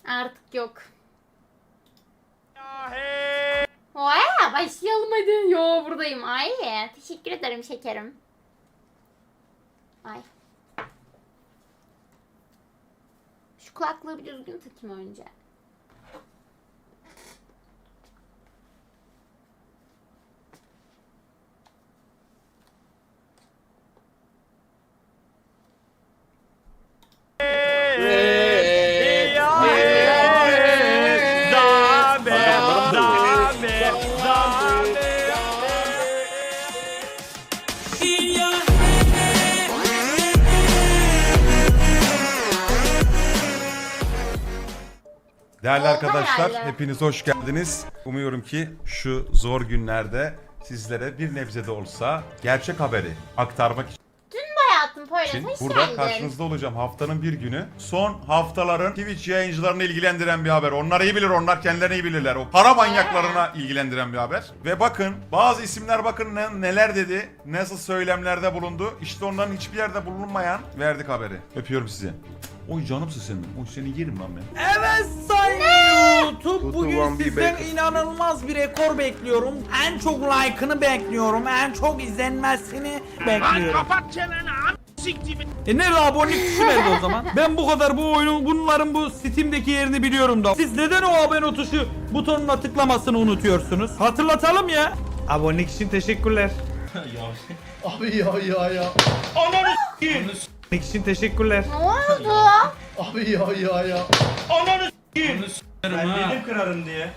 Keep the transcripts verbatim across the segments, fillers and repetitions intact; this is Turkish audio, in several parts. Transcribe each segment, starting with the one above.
Artık yok. Oya başlayalım hadi. Yo buradayım. Ay teşekkür ederim şekerim. Ay. Şu kulaklığı bir düzgün takayım önce. Değerli arkadaşlar, herhalde. hepiniz hoş geldiniz. Umuyorum ki şu zor günlerde sizlere bir nebze de olsa gerçek haberi aktarmak Hayatım Poyraz için hoş burada geldin. karşınızda olacağım haftanın bir günü. Son haftaların Twitch yayıncılarını ilgilendiren bir haber. Onlar iyi bilir, onlar kendilerini iyi bilirler. O para manyaklarına ilgilendiren bir haber. Ve bakın bazı isimler bakın ne, neler dedi, nasıl söylemlerde bulundu. İşte onların hiçbir yerde bulunmayan verdik haberi. Öpüyorum sizi. Oy canımsın senin. Oy seni yerim lan ben. Evet sayın YouTube, bugün sizden inanılmaz bir rekor bekliyorum. En çok like'ını bekliyorum, en çok izlenmesini bekliyorum. Kapat çeneni a**siktir. E nerede abonelik tuşu nerede o zaman? Ben bu kadar bu oyunun, bunların bu Steam'deki yerini biliyorum da. Siz neden o abone tuşu butonuna tıklamasını unutuyorsunuz? Hatırlatalım ya. Abonelik için teşekkürler. Abi ya ya ya. Ananı s**eyim. Abonelik için teşekkürler. Ne oldu? Abi ya ya ya. Ananı s**eyim. Ben dedim kırarım diye.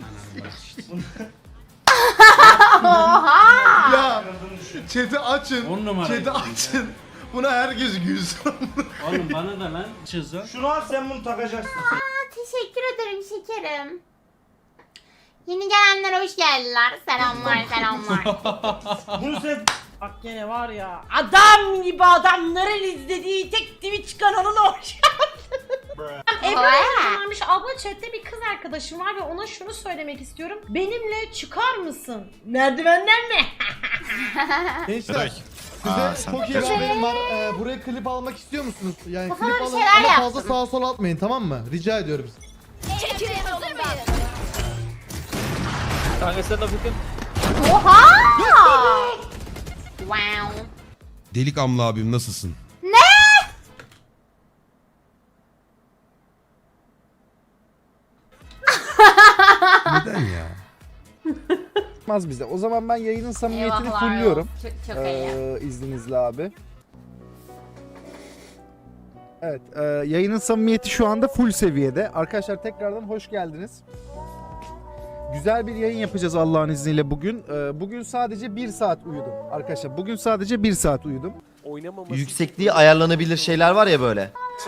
Oha! Ya chat'i açın. On numara. Chat'i açın. Buna herkes gülsün. Oğlum bana da lan çizer. Şunu al sen bunu takacaksın. Aa, teşekkür ederim şekerim. Yeni gelenler hoş geldiler. Selamlar selamlar. Bunu sen... Bak gene var ya, adam gibi adamların izlediği tek Twitch kanalına hoş Ebru Oha! varmış. Abla chatte bir kız arkadaşım var ve ona şunu söylemek istiyorum. Benimle çıkar mısın? Merdivenden mi? Gençler size çok iyi bir haberim var. Ee, buraya klip almak istiyor musunuz? Yani Kafama klip bir alın şeyler ama fazla yaptım. sağa sola atmayın, tamam mı? Rica ediyorum. Oha! Wow. Delik Amla abim nasılsın? Ne? Neden ya? Olmaz bize. O zaman ben yayının samimiyetini Eyvahlar fulluyorum. Çok, çok iyi. Ee, izninizle abi. Evet, e, yayının samimiyeti şu anda full seviyede. Arkadaşlar tekrardan hoş geldiniz. Güzel bir yayın yapacağız Allah'ın izniyle bugün. Ee, bugün sadece bir saat uyudum. Arkadaşlar bugün sadece bir saat uyudum. Yüksekliği ayarlanabilir şeyler var ya böyle.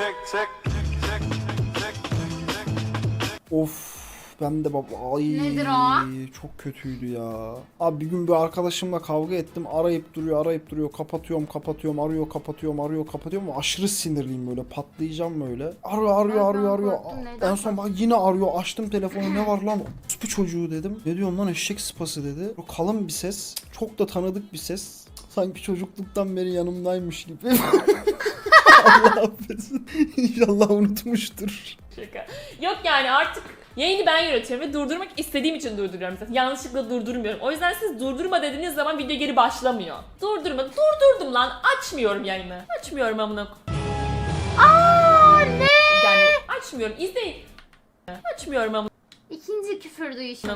Of, ben de baba ay Nedir o? çok kötüydü ya. Abi bir gün bir arkadaşımla kavga ettim. Arayıp duruyor, arayıp duruyor. Kapatıyorum, kapatıyorum, arıyor, kapatıyorum, arıyor, kapatıyorum. Aşırı sinirliyim böyle. Patlayacağım böyle. Arıyor, arıyor, arıyor, arıyor. korktun, neden En son bak yine arıyor. Açtım telefonu. Ne var lan? Bu çocuğu dedim. Ne diyorsun lan, eşek sıpası dedi. O kalın bir ses. Çok da tanıdık bir ses. Sanki çocukluktan beri yanımdaymış gibi. Allah affetsin. İnşallah unutmuştur. Şaka. Yok yani artık yayını ben yönetiyorum ve durdurmak istediğim için durduruyorum zaten. Yanlışlıkla durdurmuyorum. O yüzden siz durdurma dediğiniz zaman video geri başlamıyor. Durdurma. Durdurdum lan. Açmıyorum yayını. Açmıyorum amına. Aa ne? Yani açmıyorum. İzleyin. Açmıyorum amına. İkinci küfür duyuşum.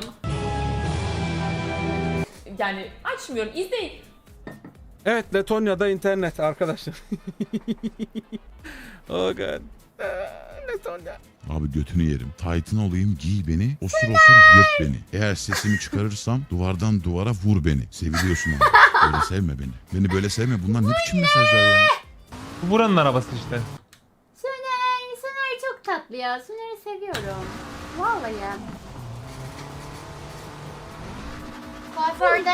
Yani açmıyorum. İzleyin. Evet, Letonya'da internet arkadaşlar. Oh god. Letonya. Abi götünü yerim. Titan olayım, giy beni, osur osur yırt beni. Eğer sesimi çıkarırsam duvardan duvara vur beni. Seviliyorsun abi. Böyle sevme beni. Beni böyle sevme. Bunlar ne biçim mesajlar ya? Buranın arabası işte. Soner, Soner çok tatlı ya. Soner'i seviyorum. Vallahi. Kuaförde...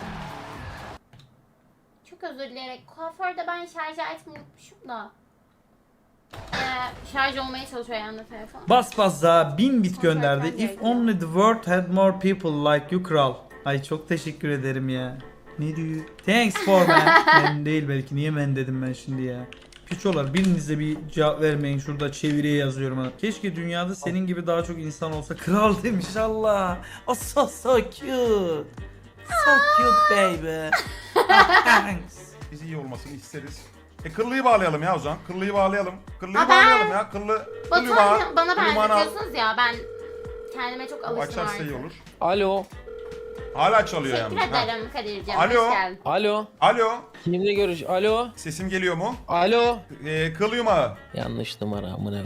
Çok özür dileyerek. Kuaförde ben şarj aletimi unutmuşum da. Ee, şarj olmaya çalışıyor yanında telefon. Bas bas daha bin bit Kontrol gönderdi. etmem If gerekiyor. only the world had more people like you kral. Ay çok teşekkür ederim ya. Ne diyor? Thanks for man. Ben değil belki. Niye men dedim ben şimdi ya. Piçolar biriniz de bir cevap vermeyin, şurada çeviriye yazıyorum ha. Keşke dünyada senin gibi daha çok insan olsa. Kral demiş Allah. O so so cute. So cute baby. Ah, thanks. Biz iyi olmasını isteriz. E kıllıyı bağlayalım ya o zaman. Kıllıyı bağlayalım. Kıllıyı Ha, ben- bağlayalım ya. Kıllı, kıllıyı bağ. Batuhan bana kıllıyı bana al. benzetiyorsunuz ya, ben kendime çok O alıştım açarsa iyi artık. olur. Alo. Hala çalıyor Teşekkür yalnız. Ha. ederim Kadir'ciğim. Alo. Hoş geldin. Alo. Alo. Kimle görüş? Alo. Sesim geliyor mu? Alo. E, kıl yumağı. Yanlış numara amına.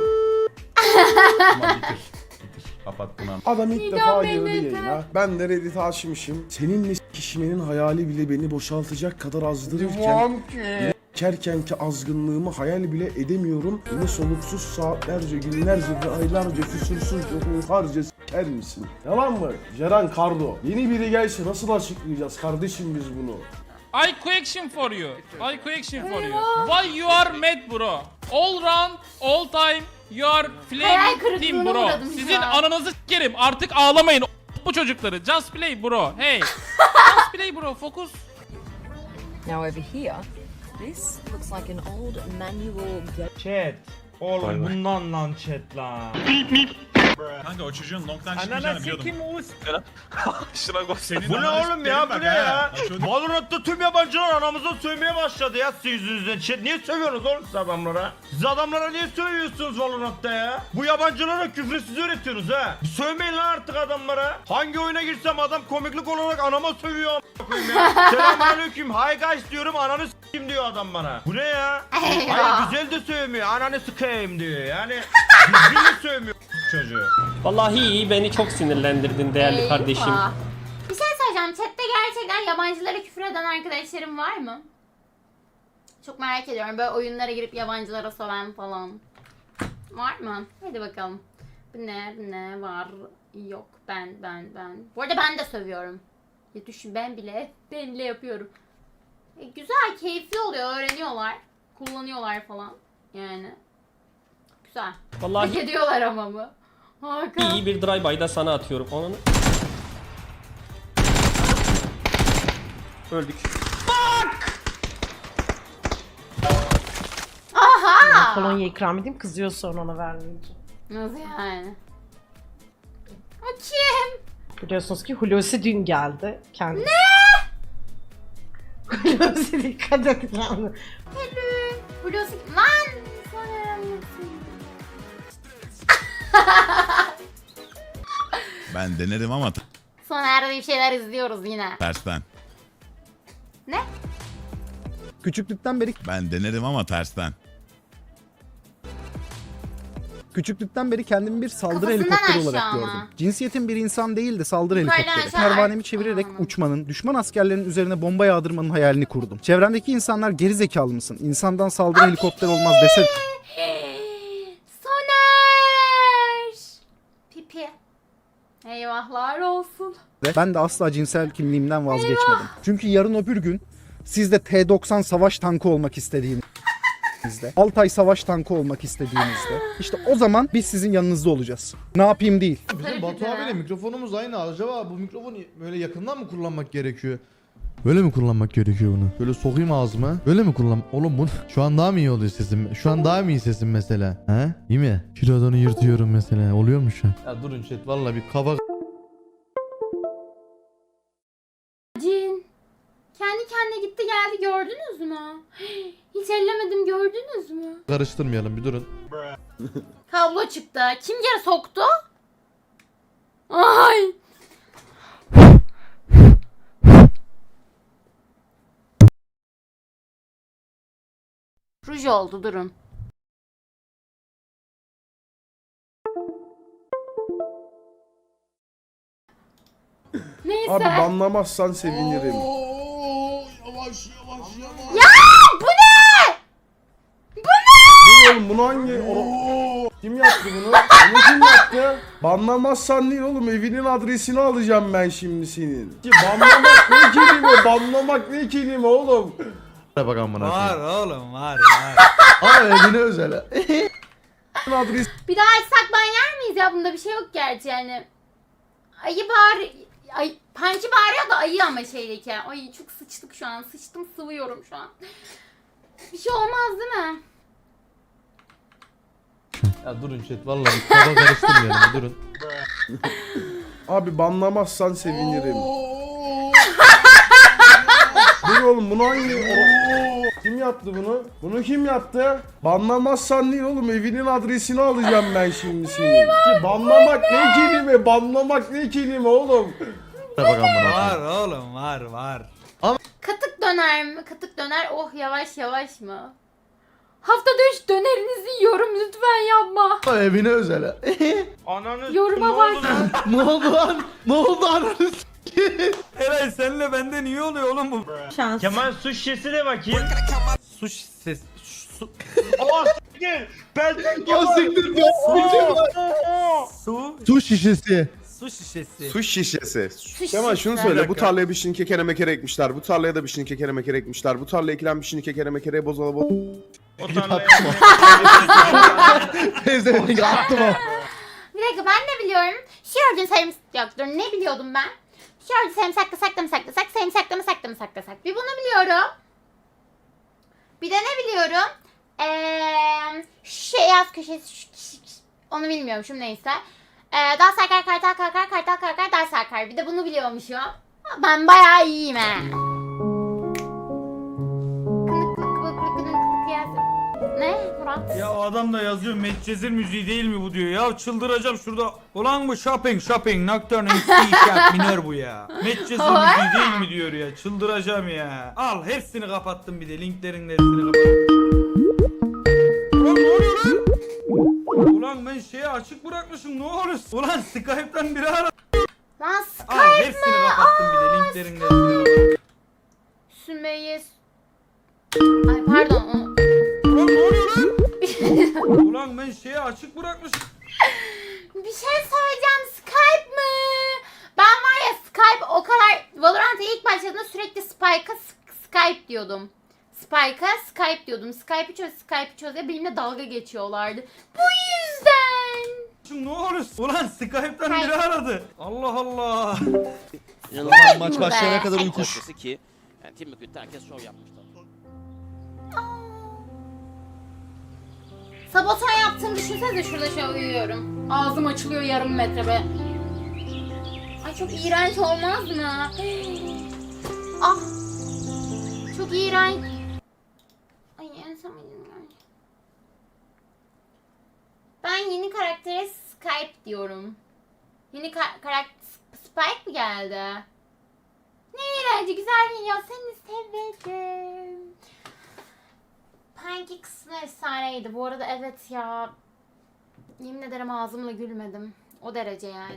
Tamam bitir. Bitir. Kapat bunu. Adam ilk defa girdi yayına. Ben de Reddit'i açmışım. Seninle kişimenin hayali bile beni boşaltacak kadar azdırırken kerkenki azgınlığımı hayal bile edemiyorum. Beni soluksuz saatlerce, günlerce ve aylarca küsursuz harca s**er misin? Yalan mı? Ceren Kardo. Yeni biri gelse nasıl açıklayacağız kardeşim biz bunu? I question for you. I question for you. Why you are mad bro? All round, all time you are Hayal flaming kırıklığına team bro. uğradım şu Sizin an. ananızı s**erim. Artık ağlamayın bu çocukları. Just play bro. Hey. Just play bro. Focus. Now over here, this looks like an old manual. Chat. Oğlum bundan lan chat lan. Kanka o çocuğun long'dan Anana sikim Oğuz. Senin Bu ne oğlum ya, bu ne ya? Valorant'ta tüm yabancılar anamıza sövmeye başladı ya sizin yüzünüzden. Chat niye sövüyorsunuz oğlum siz adamlara? Siz adamlara niye sövüyorsunuz Valorant'ta ya? Bu yabancılara küfrüsüz öğretiyorsunuz ha. Sövmeyin lan artık adamlara. Hangi oyuna girsem adam komiklik olarak anama sövüyor a**a koyayım ya. Selamünaleyküm. Hi guys diyorum, ananı s**eyim diyor adam bana. Bu ne ya? Hayır güzel de sövmüyor. Ananı s**eyim diyor. Yani düzgün de sövmüyor çocuğu. Vallahi iyi, beni çok sinirlendirdin değerli Eyvah. kardeşim. Bir şey söyleyeceğim. Chatte gerçekten yabancılara küfür eden arkadaşlarım var mı? Çok merak ediyorum. Böyle oyunlara girip yabancılara söven falan. Var mı? Hadi bakalım. Bu ne? Bu ne? Var. Yok. Ben, ben, ben. Bu arada ben de sövüyorum. Ya düşün, ben bile, ben bile yapıyorum. E, güzel, keyifli oluyor. Öğreniyorlar. Kullanıyorlar falan. Yani. Güzel. Hak Vallahi ediyorlar ama bu. Hakan. iyi bir drive-by'da sana atıyorum. Onu öldük. Aha! Kolonya ikram edeyim, kızıyor sonra ona vermeyeceğim. Nasıl yani? O kim? Biliyorsunuz ki Hulusi dün geldi. Kendi... Ne? Hulusi dikkat et yani. Hello. Hulusi lan. Sonra Ben denerim ama t- Sonra bir şeyler izliyoruz yine. tersten. Ne? Küçüklükten beri Ben denerim ama tersten. küçüklükten beri kendimi bir saldırı Kafasından helikopteri aşağı olarak ama. gördüm. Cinsiyetim bir insan değil de saldırı Yukarıdan helikopteri. aşağı. Pervanemi çevirerek Anladım. uçmanın, düşman askerlerin üzerine bomba yağdırmanın hayalini kurdum. Çevremdeki insanlar geri zekalı mısın? İnsandan saldırı helikopteri olmaz dese Soner. Pipi. Eyvahlar olsun. de ben de asla cinsel kimliğimden vazgeçmedim. Çünkü yarın öbür gün siz de T doksan savaş tankı olmak istediğinizde, Altay savaş tankı olmak istediğinizde, işte o zaman biz sizin yanınızda olacağız. Ne yapayım değil. Tabii Bizim ki Batu de. abiyle mikrofonumuz aynı. Acaba bu mikrofonu böyle yakından mı kullanmak gerekiyor? Böyle mi kullanmak gerekiyor bunu? Böyle sokayım ağzıma. Böyle mi kullan? Oğlum bu şu an daha mı iyi oluyor sesim? Şu an daha mı iyi sesim mesela? He? İyi mi? Şuradanı yırtıyorum mesela. Oluyor mu şu an? Ya durun chat valla bir kafa Cin. Kendi kendine gitti geldi, gördünüz mü? Hiç ellemedim, gördünüz mü? karıştırmayalım bir durun. Kablo çıktı. Kim geri soktu? Ay. Ruj oldu, durun. Neyse. Abi banlamazsan sevinirim. Ya bu ne? Bu ne? Oğlum bunu hangi... O- Kim yaptı bunu? Bunu kim yaptı? Banlamazsan değil oğlum, evinin adresini alacağım ben şimdi senin. Ki banlamak ne kelime? Banlamak ne kelime oğlum? Bak amına Var koyayım. oğlum var var. Ama evine özel ha. Adres Bir daha açsak ban yer miyiz ya? Bunda bir şey yok gerçi yani. Ayı bağır... Ay, Pançı bağırıyor da ayı ama şeydeki. Ay çok sıçtık şu an. Sıçtım, sıvıyorum şu an. Bir şey olmaz değil mi? Ya durun chat vallahi kafa karıştırmayalım durun. Abi banlamazsan sevinirim. Dur oğlum bunu hangi... O- Kim yaptı bunu? Bunu kim yaptı? Banlamazsan değil oğlum evinin adresini alacağım ben şimdi senin. Ki banlamak ne kelime? Banlamak ne kelime oğlum? Var oğlum var var. Katık döner mi? Katık döner. Oh yavaş yavaş mı? Haftada üç dönerinizi yiyorum lütfen yapma. Evine özel ha. Ananı Yoruma ne bak. oldu lan? Ne oldu lan? Ne oldu ananı Eray senle benden iyi oluyor oğlum bu. Şans. Kemal su şişesine bakayım. Su ses. Su. Aa siktir. Benden Ya siktir ya. Su. Su şişesi. Su şişesi. Su şişesi. Su Kemal şunu şişesi. söyle. Bir Bu dakika. tarlaya bir şini kekere mekere ekmişler. Bu tarlaya da bir şini kekere mekere ekmişler. Bu tarlaya ekilen bir şini kekere mekere bozala boz... O tarlaya. Teyze attım o. Bir dakika ben de biliyorum. Şiyordu sarımsak yok dur ne biliyordum ben? Şiyordu sarımsaklasak da mı saklasak, sarımsakla mı sakla mı saklasak? Bir bunu biliyorum. Bir de ne biliyorum? Eee şey yaz köşesi ş- ş- ş- onu bilmiyorum şimdi neyse. Eee dal sarkar kartal kalkar kartal kalkar dal sarkar. Bir de bunu biliyormuşum. Ben bayağı iyiyim he. Kınık kılık kılık kılık kılık kılık yazdım. Ne Murat? Ya o adam da yazıyor Medcezir müziği değil mi bu diyor. Ya çıldıracağım şurada. Ulan bu shopping shopping nocturne in C sharp minör bu ya. Medcezir müziği değil mi diyor ya. Çıldıracağım ya. Al hepsini kapattım bir de linklerin hepsini kapattım. Ulan ne oluyor lan? Ulan ben şeyi açık bırakmışım ne oluyor? Ulan Skype'tan biri aradı. Lan Al Skype hepsini mı? kapattım bir de linklerin hepsini kapattım. Sümeyye... Ay pardon. o- Ulan ne oluyor lan? Ulan ben şeyi açık bırakmışım. Bir şey söyleyeceğim. Skype mı? Ben var ya Skype o kadar... Valorant'a ilk başladığımda sürekli Spike'a S- Skype diyordum. Spike'a Skype diyordum. Skype'ı çöz, Skype'ı çöz ya benimle dalga geçiyorlardı. Bu yüzden. Şimdi ne oluyor? Ulan Skype'tan biri aradı. Allah Allah. İnanılmaz maç be. başlayana kadar Ay, uykuş. ki yani Timbuktu'da herkes şov yapmışlar. Sabotaj yaptığımı düşünsenize şurada şöyle uyuyorum. Ağzım açılıyor yarım metre be. Ay çok iğrenç olmaz mı? Ah. Çok iğrenç. Ay en son Ben yeni karaktere Skype diyorum. Yeni ka- karakter Spike mi geldi? Ne iğrenci güzel video seni severim. Pancake kısmı efsaneydi. Bu arada evet ya. Yemin ederim ağzımla gülmedim. O derece yani.